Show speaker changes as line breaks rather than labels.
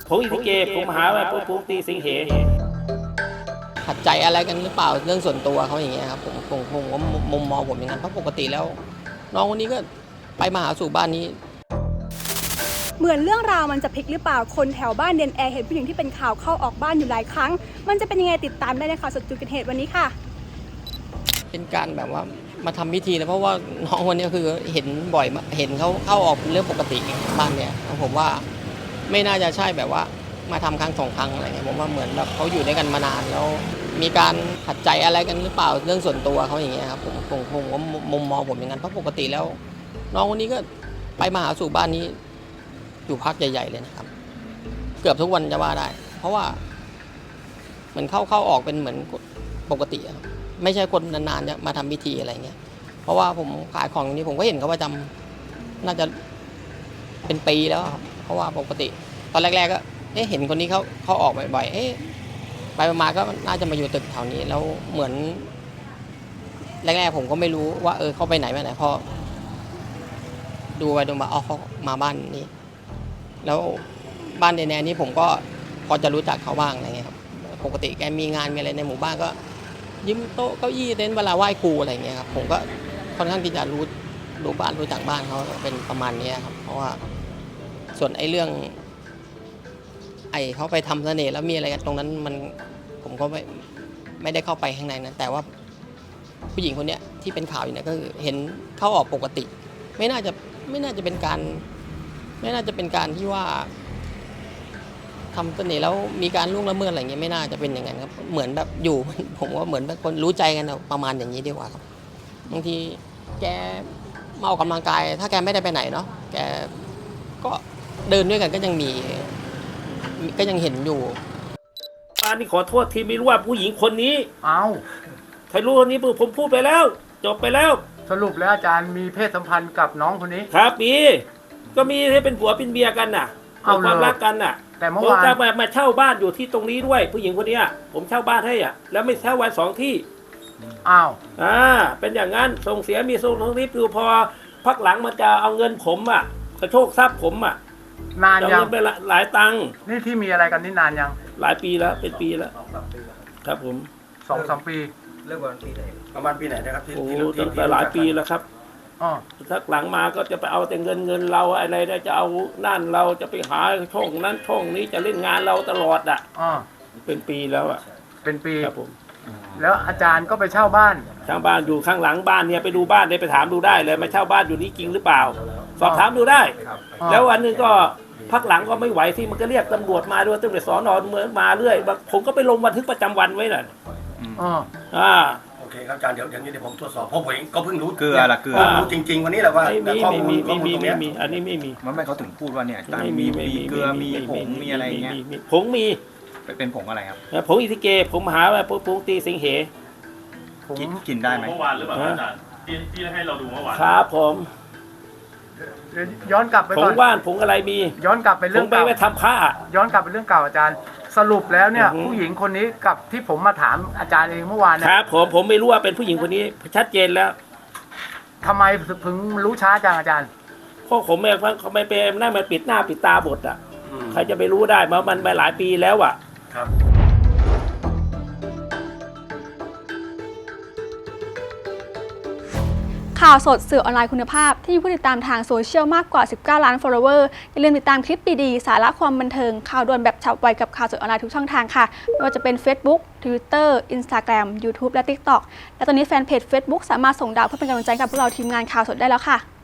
ผมอิทธิเกผมหาว่าผมตีสิงเห
ขัดใจอะไรกันหรือเปล่าเรื่องส่วนตัวเขาอย่างเงี้ยครับผมว่ามุมมองผมอย่างนั้นเพราะปกติแล้วน้องคนนี้ก็ไปมาหาสู่บ้านนี้
เหมือนเรื่องราวมันจะพลิกหรือเปล่าคนแถวบ้านเดนแอร์เห็นผู้หญิงที่เป็นข่าวเข้าออกบ้านอยู่หลายครั้งมันจะเป็นยังไงติดตามได้ในข่าวสดจุดเกิดเหตุวันนี้ค่ะ
เป็นการแบบว่ามาทำพิธีนะเพราะว่าน้องคนนี้คือเห็นบ่อยเห็นเขาเข้าออกเป็นเรื่องปกติบ้านเนี่ยผมว่าไม่น่าจะใช่แบบว่ามาทำครั้งสองครั้งอะไรเงี้ยผมว่าเหมือนแบบเขาอยู่ด้วยกันมานานแล้วมีการขัดใจอะไรกันหรือเปล่าเรื่องส่วนตัวเขาอย่างเงี้ยครับผมว่ามุมมองผมอย่างนั้นเพราะปกติแล้วน้องคนนี้ก็ไปมาหาสู่บ้านนี้อยู่พักใหญ่ๆเลยนะครับเกือบทุกวันจะว่าได้เพราะว่าเหมือนเข้าออกเป็นเหมือนปกติครับไม่ใช่คนนานๆจะมาทำพิธีอะไรเงี้ยเพราะว่าผมขายของนี้ผมก็เห็นเขาประจำน่าจะเป็นปีแล้วครับเพราะว่าปกติตอนแรกๆก็เห็นคนนี้เขาออกบ่อยๆไปมาก็น่าจะมาอยู่ตึกแถวนี้แล้วเหมือนแรกๆผมก็ไม่รู้ว่าเขาไปไหนมาไหนพอดูไปดูมาเขามาบ้านนี้แล้วบ้านเดนแนนี้ผมก็พอจะรู้จักเขาบ้างอะไรเงี้ยครับปกติแกมีงานมีอะไรในหมู่บ้านก็ยืมโต๊ะเก้าอี้เต็นท์เวลาไหว้ครูอะไรเงี้ยครับผมก็ค่อนข้างที่จะรู้บ้านรู้จักบ้านเขาเป็นประมาณนี้ครับเพราะว่าส่วนเรื่องเขาไปทำเสน่ห์แล้วมีอะไรกันตรงนั้นผมก็ไม่ได้เข้าไปข้างในนะแต่ว่าผู้หญิงคนเนี้ยที่เป็นข่าวอยู่เนี่ยก็คือเห็นเข้าออกปกติไม่น่าจะเป็นการที่ว่าทำเสน่ห์แล้วมีการล่วงละเมิดอะไรเงี้ยไม่น่าจะเป็นอย่างนั้นครับเหมือนแบบอยู่ ผมว่าเหมือนแบบคนรู้ใจกันประมาณอย่างนี้ดีกว่าครับบางทีแกมาออกกำลังกายถ้าแกไม่ได้ไปไหนเนาะแกก็เดินด้วยกันก็ยังเห็นอยู่
ป้านี่ขอโทษทีไม่รู้ว่าผู้หญิงคนนี้
เอา
ใครรู้คนนี้ผมพูดไปแล้วจบไปแล้ว
สรุปแล้วอาจารย์มีเพศสัมพันธ์กับน้องคนนี้
ครับก็มีให้เป็นผัวเป็นเมียกันน่ะความรักกันน่ะ
แต่เมื่อวาน
ผมมาเช่าบ้านอยู่ที่ตรงนี้ด้วยผู้หญิงคนนี้ผมเช่าบ้านให้แล้วไม่เช่าวัน2 ที่เป็นอย่างนั้นส่งเสียมีส่งทั้งนี้คือพอพักหลังมันจะเอาเงินผมกระโชกทรัพย์ผม
นานยัง
ไปหลายตังค์
นี่ที่มีอะไรกันนี่นานยัง
หลายปีแล้วเป็นปีแล้วครับผม
2-3 ปี
เริ่มวันปีไหนประมาณปีไหนนะครับที่
ตั้งแต่หลายปีแล้วครับทักหลังมาก็จะไปเอาแต่เงินเราอะไรได้จะเอานั่นเราจะไปหาช่องนั้นช่องนี้จะเล่นงานเราตลอดเป็นปีแล้ว
เป็นปี
ครับผม
แล้วอาจารย์ก็ไปเช่าบ้าน
อยู่ข้างหลังบ้านเนี่ยไปดูบ้านได้ไปถามดูได้เลยมาเช่าบ้านอยู่นี้จริงหรือเปล่าสอบถามดูได้แล้ววันนึงก็พักหลังก็ไม่ไหวที่มันก็เรียกตำรวจมาด้วยตำรวจสน.เมืองมาเรื่อยผมก็ไปลงบันทึกประจำวันไว้น่ะ
โอเคครับอาจารย์เดี๋ยวนี้ผมตรวจสอบเพราะผมเองก็เพิ่งรู้
เกลือ
รู้จริงๆวันนี้แหละว่า
ข้อมูลอันนี้ไม่มี
มันไม่เขาถึงพูดว่าเนี่ยอาจารย์มีเกลือมีผงมีอะไรเงี้ย
ผงมี
เป็นผงอะไรครับ
ผงอิทธิเกผมหาว่าผงตีสิงเห
กินได้ไหม
เมื่อวานหรือเปล่าอาจารย์ที่ให้เราดูเมื่อวาน
ครับผม
ย้อนกลับไป
ผงว่านผงอะไรมี
ย้อนกลับไปเรื่อง
เก่าไปทำผ้า
ย้อนกลับไปเรื่องเก่าอาจารย์สรุปแล้วเนี่ยผู้หญิงคนนี้กับที่ผมมาถามอาจารย์เองเมื่อวาน
ครับผมไม่รู้ว่าเป็นผู้หญิงคนนี้ชัดเจนแล้ว
ทำไมถึงรู้ช้าจังอาจารย์
เพราะผมไม่เป็นนั่นมันปิดหน้าปิดตาบทใครจะไปรู้ได้มันไปหลายปีแล้ว
ครับ
ข่าวสดสื่อออนไลน์คุณภาพที่มีผู้ติดตามทางโซเชียลมากกว่า19 ล้าน follower อย่าลืมติดตามคลิปดีๆสาระความบันเทิงข่าวด่วนแบบฉับไวกับข่าวสดออนไลน์ทุกช่องทางค่ะไม่ว่าจะเป็น Facebook Twitter Instagram YouTube และ TikTok และตอนนี้แฟนเพจ Facebook สามารถส่งดาวเพื่อเป็นกำลังใจกับพวกเราทีมงานข่าวสดได้แล้วค่ะ